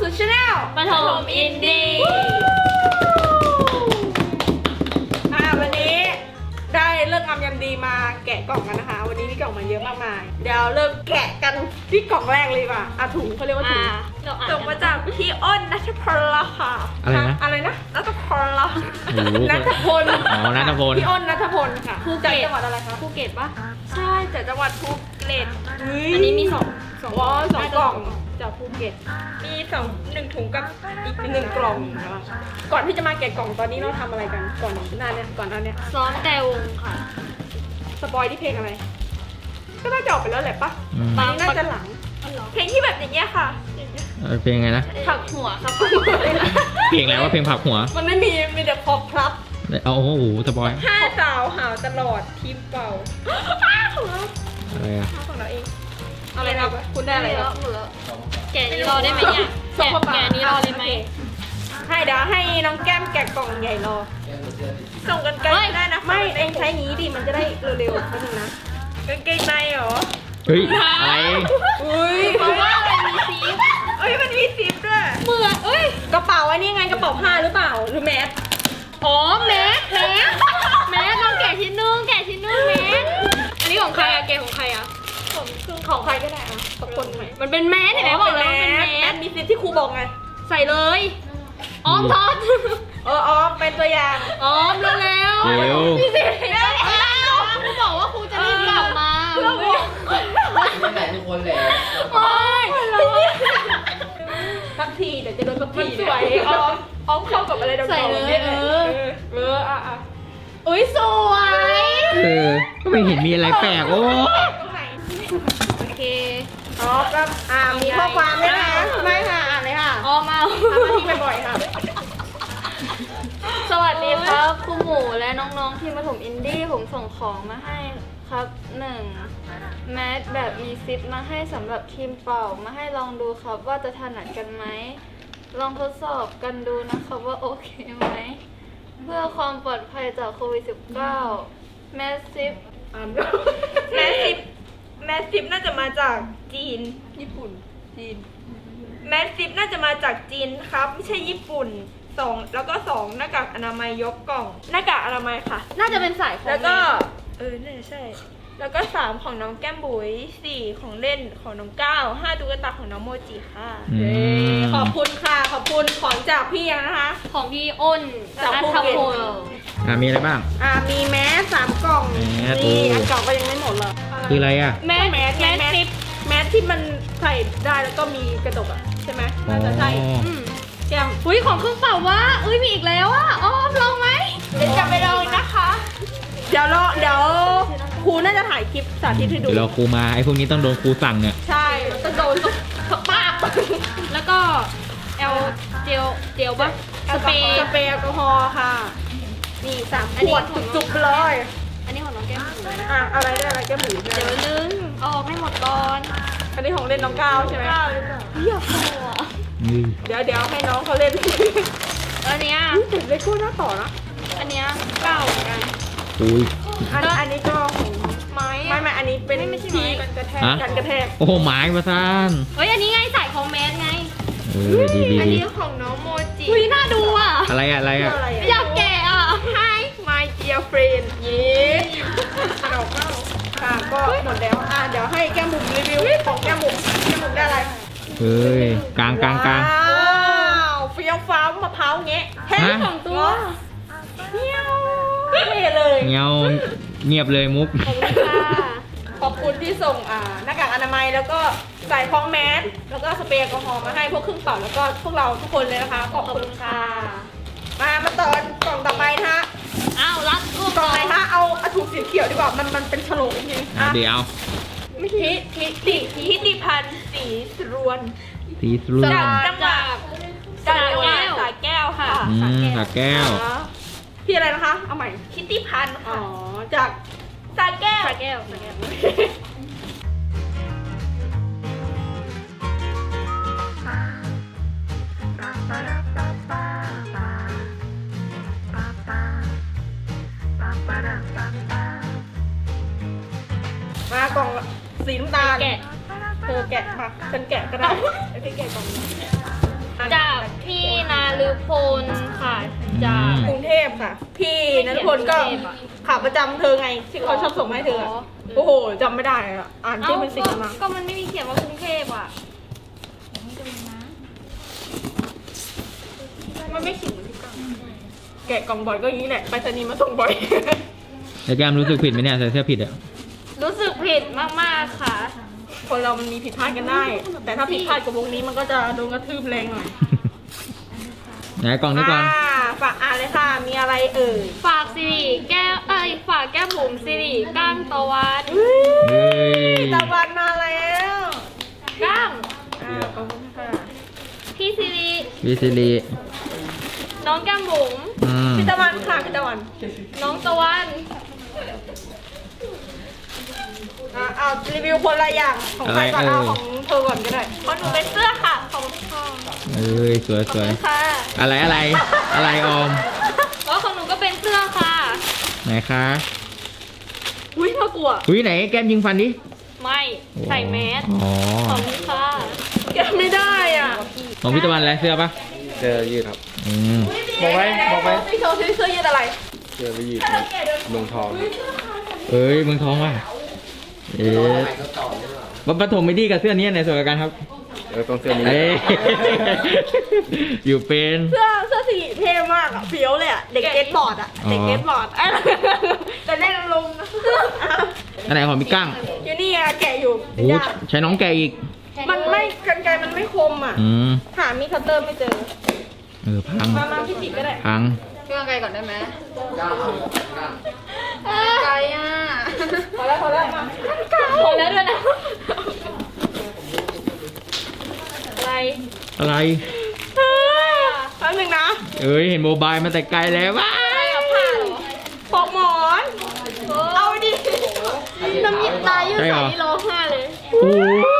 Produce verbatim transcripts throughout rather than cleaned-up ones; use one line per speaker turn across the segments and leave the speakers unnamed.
สู่ช anel
ปฐมอินดี้
อ่าวันนี้ได้เลิกงามยามดีมาแกะกล่องกันนะคะ วันนี้มีกล่องมาเยอะมากมายเดี๋ยวเริ่มแกะกันที่กล่องแรกเลยดีกว่าอ่ะถุงเขาเรียกว่าถุงส่งมาจากพี่อ้นณัฐพลค่ะ
อะไรนะ
อะไรนะณัฐพล
โอ้โห
ณัฐพล
อ๋อณัฐพล
พี่อ้นณัฐพลค่ะ
ภูเก็
จาก
ต
จังหวัดอะไรคะ
ภูเก็ตปะ
ใช่จากจังหวัดภูเก็ต
อันนี้มีสองสอง
อ๋อสองกล่องจากภูเก็ตมีสองหนึ่งถุงกับอีกหนึ่งกล่องนะคะก่อนที่จะมาแกะกล่องตอนนี้เราทำอะไรกันก่อนหน้าเนี่ยก่อนหน้าเนี่ย
ซ้อมแต่วงค่ะ
สปอยที่เพลงอะไรก็น่าจะออกไปแล้วแหละปะ
อืม
อันนี้น่าจะหลังเพลงที่แบบอย่างเงี้ยค่ะ
เออเพลงไงนะ
ผักหัวครับ
เพลงอะไรว่าเพลงผักหัว
มันไม่มีมีแต่พอครับ
เอาโอ้โหสปอย
ห้าสาวหาวตลอดทีมเป่าของเรา
อะไรอะ
ของเราเองอะไรนะคุณได้อะไร
แล้
แล้ว ว
หมดแล้วแกะนี้รอได้ไหมเนี่ยแกะแกะนี้รอเลยไหม
ให้เดี๋ยวให้น้องแก้มแกะกล่องใหญ่รอส่งกันไกลได้นะไม่เองใช้งี้ดิมันจะได้เร็วๆนิดนึงนะกางเกงในเหรอ
เฮ้ยอะไร
อุ้ย
เพราะว่าอะไรมีซีฟ
เอ้ยมันมีซิปด้วย
เหมือนเอ้ย
กระเป๋าอันนี้ไงกระเป๋าผ้าหรือเปล่าหรือแมส
อ๋อแมสแมสแมสลองแกะชิ้นนึงแกะชิ้นนึงแมสอันนี้ของใครอะแกะของใครอะ
ของคือของใครก็ได้อะสักคนไหม
มันเป็นแมสเห็นไหมบอกแล้วมันเป็น
แม
แม
ส
ส
มีซิปที่ครูบอกไง
ใส่เลยออมทอด
เอออ๋อเป็นตัวอย่าง
ออมเร็วๆ
เร็ว
พี่สิเร็วๆครูบอกว่าครูจะรีบกลับมา
เพื่อบอก
ไม่ไหนทุกคนเลย
โอ๊ย
สักทีเดี๋ยวจะโดนสักทีสวยออมออมเข้ากับอะไรดำๆ
ใส่เลย
นี่
เออ
เอออ่ะอ่ะ
อุ้ยสวย
เออก็ไม่เห็นมีอะไรแปลกโอ้
ตรงไหน
โอเค
อ๋อก็อ่ามีข้อความไหมคะไม่ค่ะอ่านเลยค่ะ
ออมเอา
ทำหน้าที่บ่อยๆค่ะ
สวัสดีครับครูหมูและน้องๆที่ประถมอินดี้ผมส่งของมาให้ครับหนึ่งแมสแบบมีซิปมาให้สำหรับทีมเป่ามาให้ลองดูครับว่าจะถนัดกันไหมลองทดสอบกันดูนะครับว่าโอเคไหมเพื่อความปลอดภัยจากโควิด สิบเก้า แมสซิป
อ่านแมสซิปแมสซิปน่าจะมาจากจีนญี่ปุ่นจีนแมสซิปน่าจะมาจากจีนครับไม่ใช่ญี่ปุ่นสองแล้วก็สองหน้ากากอนามัยยกกล่องหน้ากากอนามัยค่ะ
น่าจะเป็นสายของ
แล้วก็เออน่าจะใช่ แล้วก็สามของน้องแก้มบุ๋ยสี่ของเล่นของน้องก้าวห้าตุ๊กตาของน้องโมจิค่ะ
อืม
ขอบคุณค่ะขอบคุณของจากพี่ยังนะคะ
ของพี่อ้น
จากภูเก็ต
ณัฐพล
อ่ะมีอะไรบ้าง
อ่ามีแมสสามกล่อง
แมส
นี่
โอ้
อันเก่าก็ยังไม่หมดเลย
คืออะไรอ่ะ
แมส
แมส
แม
แม
ส
ส
ซิป
แมสที่มันใส่ได้แล้วก็มีกระดกอ่ะใช่ไหมน่าจะใช่
อ๋อ
อืม
แก้ม
อุ้ยของเครื่องเป่าวะอุ้ยมีอีกแล้วอ่ะอ๋อลองไหม
เดี๋ยวจะไปลองนะคะ เดี๋ยวรอเดี๋ยวครูน่าจะถ่ายคลิปสาธิตให้ดู
เดี๋ยวเราครูมาไอ้พวกนี้ต้องโดนครูสั่งเนี่ย
ใช่มันจะโดนสปาบ
แล้วก็เอลเจลเจลปะสเปรย์
สเปรย์แอลกอฮอล์ค่ะ นี่สาม
อั
ข
นนี้
วด
ของ
จุกๆไปเลย
อันนี้ของน้องแก้มบุ๋ย
อ่ะอะไรได้อะไรแก้มหมู
เดี๋ยวนึงเอาออกให้หมดก่อน
อันนี้ของเล่นน้องก้าวใช่ไหม
เหี้ยโคอ่ะ
นี่
เดี๋ยวเดี๋ยวให้น้องเขาเล่น
อันเนี้ย
เห็นเลโก้หน้าต่อนะ
อันเนี้ยเก่าเหมือนกัน
อุ้ย
อันอันนี้ก็ของ
ไม้
ไม่ไม่อันนี้เป็น
ไม่ไม่ใช่ไม้
ที่กันกระแทก
ฮะ
กันกระแทก
โอ้โหไม้มาซ่าน
เฮ้ยอันนี้ไงใส่ของแมสไง
เออดีดี
อัน
ดี
นี้ของน้องโมจิอุ้ยน่าดูอ่ะ
อะไรอะอะไร
เพื่อ
อะ
อะไร
อยากแกะอ่ะ
Hi my dear friend เย้สนุกมากค่ะก็หมดแล้วอ่ะเดี๋ยวให้แก้มบุ๋มรีวิวของแก้มบุ๋มแก้มบุ๋มได้อะไร
เฮ้ยกลางกลางกลาง
ว้าวเฟี้ยวฟ้าวมะพร้าวแงะแท้
ฮะ
สองตัวเงี้ยวเท่เลย
เงาเงียบเลยมุก
ขอบคุณค่ะ
ขอบคุณที่ส่งอ่าหน้ากากอนามัยแล้วก็ใส่พร้อมแมสแล้วก็สเปรย์แอลกอฮอล์มาให้พวกเครื่องเป่าแล้วก็พวกเราทุกคนเลยนะคะขอบคุณค่ะมามาต่อกล่องต่อไปนะฮะ
อ้าวรัดกู
กล่องไหนคะเอาเอาถุงสีเขียวดีกว่ามันมันเป็นฉลกจริงๆอ่ะ
เดี๋ยว
ไม่ทิทิติทิติพันธ์สีสรวน
สีสรุ่น
จากจังหวัดจากจังหวัดสระแก้วค่ะ
อืมสาแก้ว
อ๋อพี่อะไรนะคะ เอาใหม่ทิติพันธ์ค่ะอ๋อจากสระแก้ว
สระแก้วสระแก้ว
มากล่องสีน้ำตาล
แกะ
เธอแกะมาฉันแกะก็ได้ไอ้พี่แกะกล่องนี้
จากพี่นาลือพลค่ะจาก
กรุงเทพค่ะ พี่นันพลก็ขาประจำเธอไงที่เขาชอบส่งมาให้เธออะโอ้โหจำไม่ได้อะอ่านชื่อเป็นสิ่งมา
ก็มันไม่มีเขียนว่ากรุงเทพอ่ะ
มันไม่ขิงเหมือนที่กล่องแกะกล่องบ่อยก็อย่างนี้แหละไปรษณีย์มาส่งบ่อย
แล้วแก้มรู้สึกผิดไหมเนี่ยใส่เสื้อผิดอ่ะ
รู้สึกผิดมากๆค่ะ
คนเรามันมีผิดพลาดกันได้ แต่ถ้าผิดพลาดกับวงนี้มันก็จะโดนกระทืบแรงหน่อย
ไหนกล่องนี้ก่อน
อ่าฝากอ่านเลยค่ะ มีอะไรเอ่ย
ฝากสิริแก้วเอ้ยฝากแก้มบุ๋มสิริก้างตะวัน
เฮ้ย
ตะวันมาแล้ว
ก้าง
อ่าขอบคุณค่ะ
พี่สิริ
วิซิลี
น้องแก้มบุ๋ม
อืม
พี่ตะวันค่ะพี่ตะวัน
น้องตะวัน
อ่าเอารีวิวคนละอย่างของใครก่อนเอาของเธอก่อนก็ได้
ของหนูเป็นเสื้อค่ะของพ่อ
เอ้ยสวยสวย
ค่ะ
อะไรอะไร อะไรออม
แล้วของหนูก็เป็นเสื้อค่ะ
ไหนคะ
อุ้ยน่ากลัว
หุ้ยไหนแก้มยิงฟันดิ
ไม่ใส่แมส
อ๋อ
ของนี้ค่ะ
แกะไม่ได้อ่ะ
ของพี่ตะวันอะไรเสื้อปะ
เสื้อยืดครับ
อืม
บอกไว้บอกไว้
พี่โชว์ซิเสื้อยืดอะไร
เสื้อยืดครับเมืองทอง
เอ้ยเมืองทองว่ะเอ๊ะ
ใหม่ก็ต่อได้หรอ
วัดปฐมไม่ดีกับเสื้อนี้ไหนสวยกว่ากันครับ
เออต้องเสื้อนี้
เอ้ย อยู่เป็น
เสื้อเสื้อสีเท่มากอ่ะเฟี้ยวเลยอ่ะ เด็กเก็ตบอร์ดอ่ะ
อ๋อ
เด็กเก็ตบอร์ดไอ้แต่เล่นลงนะ
อันไหนของพี่กั้ง
อยู่นี่อะแกะอยู่
โอ้ใช้น้องแกอีก
มันไม่กันไกรมันไม่คมอ่ะ
อืม
หามีดคัตเตอร์ไม่เจอ
เออพัง
มามาพี่จิกก็ได้
พัง
พี่ว่าไกลก่อนได้ไหม
ก้าวก้าว
ไกลอ่ะ
พอแล้วพอแล้วมา
พอแล้วด้วยนะอะไร
อะไร
แป๊บนึงนะ
เอ้ยเห็นโมบายมาแต่ไกลแล้วว้า
อะไรกับผ้าเหรอ
ปอกหมอน เอาดิ
น้ำยิบตายยืด
ใช่เหร
ใส่
อ
ที่ร้องไห้เลย
โอ้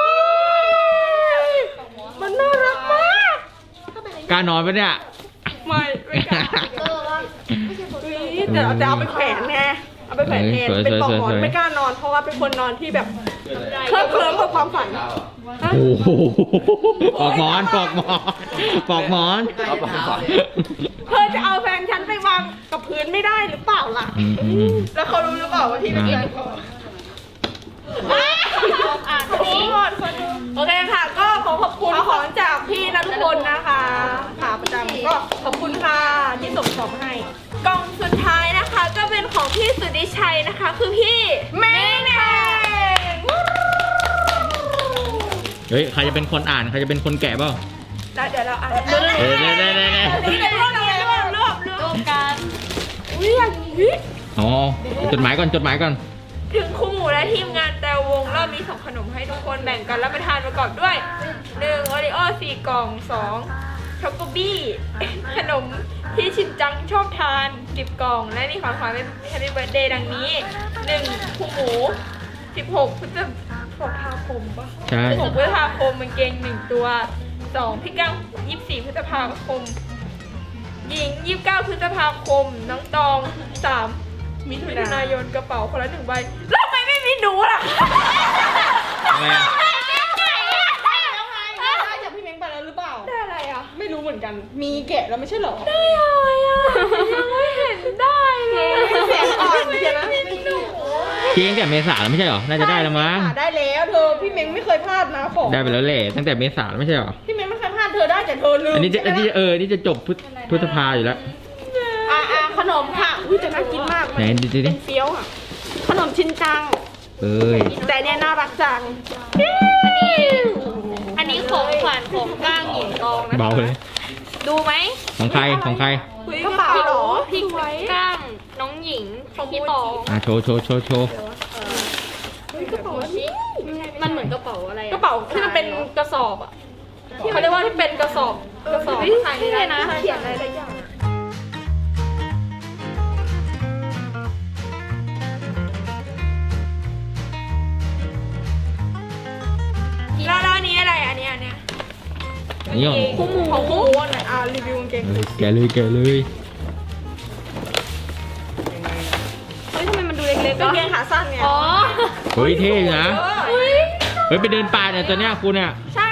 มันน่ารักมาก
กล้านอนปะเนี่ย
ไม่ไม่กล้าอุ๊ยแต่แต่เอาไปแขวนไงเอาไปแขวนแทน
เออสวย
เป็นปอกหมอน
สวยสวย
ไม่กล้านอน เพราะว่าเป็นคนนอนที่แบบเคลิ้มเคลิ้มกับความฝัน
ก้าว
ฮะ
โอ้โหปอกหมอนปอกหมอนปอกหมอน
เอาไปก่อน
เธอจะเอาแฟนฉันไปวางกับพื้นไม่ได้หรือเปล่าล่ะ
อืมอืม
แล้วเขารู้หรือเปล่าว่าที่เป็นแฟนเขา
อ่าน
โอ้
นี้
โหโอเคค่ะ ก็ขอขอบคุณของจากพี่นะทุกคนนะคะขาประจำก็ขอบคุณค่ะที่ส่งของให้ กล่องสุดท้ายนะคะ ก็เป็นของพี่สุดิชัยนะคะ คือพี่เมงเอง
เฮ้ยใครจะเป็นคนอ่านใครจะเป็นคนแกะเปล่า
แล้วเดี๋ยวเราอ่าน
เออได้ได้ได้ได้
นี่เป็นรวบรวบรวบรวบรว
รว
บ
มกัน
อุ้ยอย่างนี้
อ๋อจดหมายก่อนจดหมายก่อน
ถึงครูหมูและทีมงานแต่วงรอบนี้ส่งขนมให้ทุกคนแบ่งกันรับประทานประกอบด้วยหนึ่งโอริโอสี่กล่องสองช็อกโกบี้ ขนมที่ชินจังชอบทานสิบกล่อง และนี่ของขวัญเป็นแฮปปี้เบิร์ดเดย์ดังนี้หนึ่งครูหมูสิบหกพฤษภาคมปะ
ใช่
สิบหกพฤษภาคมกางเกงหนึ่งตัวสองพี่ก้างยี่สิบสี่พฤษภาคม หญิงยี่สิบเก้าพฤษภาคม น้องตองสามมิถุนายนกระเป๋าคนละหนึ่งใบแล้วทำไมไม่มีหนูล่ะ
อะไรอะ
ได้จากพี่เม้งไปแล้วหรือเปล่า ได้อะไรอ่ะ ไม่รู้เหมือนกัน มีแกะแล้วไม่ใช่เหรอ ได้อะไรอ่ะ ยังไม่เห็นได้เลยเสียงอ่อนเชียวนะไม่หนู
เพียงแต่เมษาแล้วไม่ใช่เหรอน่าจะได้แล้วมั้ง
ได้แล้วเธอ พี่เม้งไม่เคยพลาดนะของ
ได้ไปแล้วแหละตั้งแต่เมษาแล้วไม่ใช่เหรอ
พี่เม้งไม่เคยพลาดเธอได้แต่เธอลืม
อันนี้จะอันนี้
ใช่ไหม
เออนี่จะจบพฤษพฤษภาอยู่แล้ว
อ่าอ่าขนมค่ะ อุ้ยแต่น่ากินมาก
ไหนดูดิ
เป็นเฟี้ยวอ่ะ ขนมชินจัง
เอ้ย
แต่เนี่ยน่ารักจัง
อันนี้ของขวัญของก้างหญิงตองนะคะ
เบาเลย
ดูไหม
ของใครของใคร
คุยกระเป๋าเหรอ
พี่ก้างน้องหญิงของพี่ตอง
อ่ะโชว์โชว์โชว์โชว์
กระเป๋านี้
มันเหมือนกระเป๋าอะไรอะ
กระเป๋าที่มันเป็นกระสอบอ่ะที่เขาเรียกว่าที่เป็นกระสอบกระสอบ
เฮ้ยใช่เลยนะ
เขียนอะไรหลายอย่างแล้วแล้วอันนี้อะไรอันนี้อันเนี้ย
อันนี้ของ
คู่หมูของคู่หมูอ่ะอ่ารีวิวกางเกง
เออแกะเลยแกะเลย
เฮ้ยทำไมมันดูเล็กๆ
กาง
วะ
เกงขาสั้นไง
อ๋อ
เฮ้ยเท่อยู่นะ
เฮ้ย
เฮ้ยไปเดินป่าเนี่ยตัวเนี้ยคุณเนี่ย
ใช่ไม่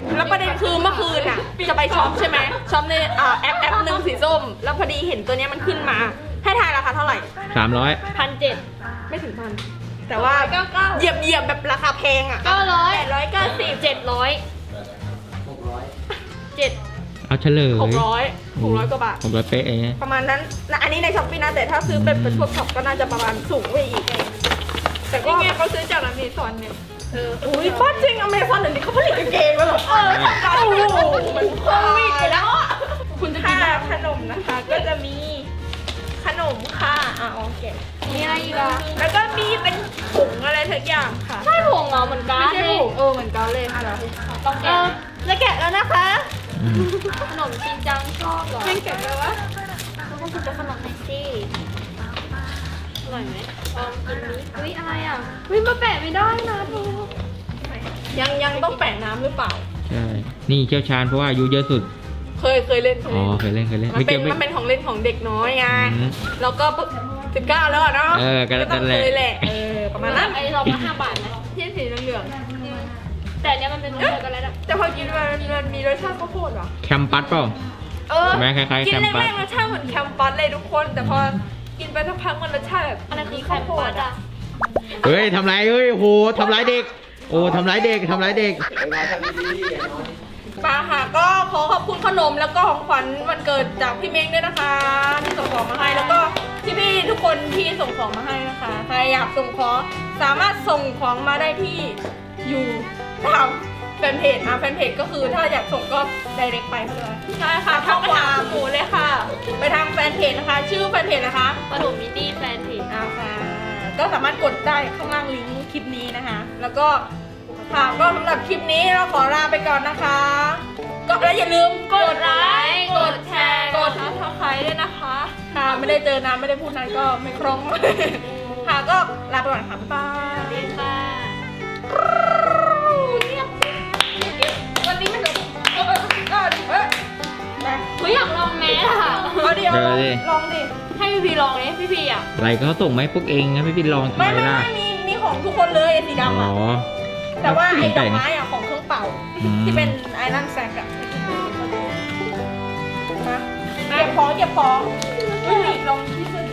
แล้วประเด็นคือเมื่อคืนอ่ะจะไปช็อปใช่ไหมช็อปในอ่าแอปแอปหนึ่งสีส้ม แล้วพอดีเห็นตัวเนี้ยมันขึ้นมา ให้ทายราคาเท่าไหร่
สามร้อย
พันเจ็ด
ไม่ถึงพัน แต่ว่าเหยียบเหยียบแบบราคาแพงอ่ะ
เก้าร้อย
แปดร้อยเก้าสิบ
เจ็ดร้อย
หกร้อย
เจ็ด
เอาเฉลย
หกร้อยหกร้อยกว่าบาท
หกร้อยเป๊ะเอง
ประมาณนั้นนะอันนี้ในช้อปปี้นะแต่ถ้าซื้อเป็นเป็นพวกช็อปก็น่าจะประมาณสูงไปอีก แต่ก็ไงเขาซื้อจากอเมซอนเนี่ยเอออุ้ยป้าจริงอเมซอนเดี๋ยวนี้เขาผลิตกางเกงแล้วเหรอเออโอ้โหมันโควิดไปแล้วอ่ะคุณจะกินขนมนะคะ ก็จะมีขนมค่ะอ่ะโอเค
มีอะไรอีกอ่ะ
แล้วก็มีเป็นถุงอะไรทุกอย่างค่ะ
ใช่ผงเหรอเหมือนกัน
ไม่ใช่ถุงเออเหมือนกันเลยค่ะ
ต้อง
เอ
แกะ
อจะแกะแล้วนะคะ
อืม
ขนมจริงจังชอบเหรอ
ไม่แกะแล้ววะ
แล้วก็คุณจะขนมไหนสิอร่อยไหมลองกินนี้อุ้ยอะไรอ่ะอุ้ยมาแปะไม่ได้นะเธอ
ยังยังต้องแปะน้ำหรือเปล่า
ใช่ นี่เชี่ยวชาญเพราะว่าอายุเยอะสุด
เคยเคยเล่นเคย
อ๋อ
เล่น
เคยเล่นเคยเล่น
มันเป็น
ไกี่ยว
มันเป็นของเล่นของเด็กน้อยไง
อืม
แล้วก็สิบเก้าแล้วอะเนาะ
เออก็
ต้อง
นั่นแหละ
เคยแหละเออประมาณนั้น
ไอ้เรามาห้าบาทนะ
ที่สีเหลือง
แต่อันเนี้ยมันเป็นรสช็อกโกแลตอ่ะ
ๆแต่พอกินมันมันมีรสชาติข้าวโพดเหรอ
แคมปัสเปล่า
เออ
แม่คล้ายๆ
กิน
แคมปัส
แรกๆรสชาติเหมือนแคมปัสเลยทุกคน แต่พอกินไปสักพักมันรสชาติแบบ
อะไรคือแค
ข้าว
ม
โพ
ปั
ด
ส
อ่ะ
อ่ะ
เฮ้ยทำไรเฮ้ยโอ้โหทำร้ายเด็ก โอ้ทำร้ายเด็กทำร้ายเด็ก
ไอ้นายทำดีๆอย่างน้อย
ปาค่ะก็ขอขอบคุณขนมแล้วก็ของขวัญวันเกิดจากพี่เม้งด้วยนะคะ ที่ส่งของมาให้แล้วก็พี่ๆทุกคนที่ส่งของมาให้นะคะใครอยากส่งของสามารถส่งของมาได้ที่อยู่ตามแฟนเพจอ่ะแฟนเพจก็คือถ้าอยากส่งก็ direct ไปเลยใช่ค่ะเข้าไปหาหมูเลยค่ะ ไปทางแฟนเพจนะคะ ชื่อแฟนเพจนะคะ
ขนมมินดี้แฟนเพจ
เอาค่ะก็สามารถกดได้ข้างล่างลิงก์คลิปนี้นะคะ แล้วก็ค่ะก็สำหรับคลิปนี้เราขอลาไปก่อนนะคะ ก็แล้วอย่าลืมกดไลค์กดแชร์กดซับสไครต์ด้วยนะคะค่ะไม่ได้เจอนานไม่ได้พูดนานก็ไม่คล่อง ค่ะก็ลาไปก่อนค่ะบ๊ายบาย
ดีค่ะ
วันนี้ไม่ถึงเออเออเออเออไป
เฮ้ยอยากลองแมสอ่ะ
เอาดิเอาลอง
เดี๋ยวดิ
ลองดิ
ให้พี่พีลองเลยพี่พีอ่ะ
อะไรก็เขาส่งมาให้พวกเองนะไม่ไปลองทำ
ไม่
ไม
ไม่
ล่ะ
ไม่มีมีของทุกคนเลยไอ้สี
อ๋
ดำ
อ
อ่ะ แต่ว่าไอ้ด
แต่
อก
ง
ไม้อะของเครื่องเป่า
อืม
ที่เป็นไอรอนแซกอะมาเก็บของเก็บของอุ้ยลองที่สุด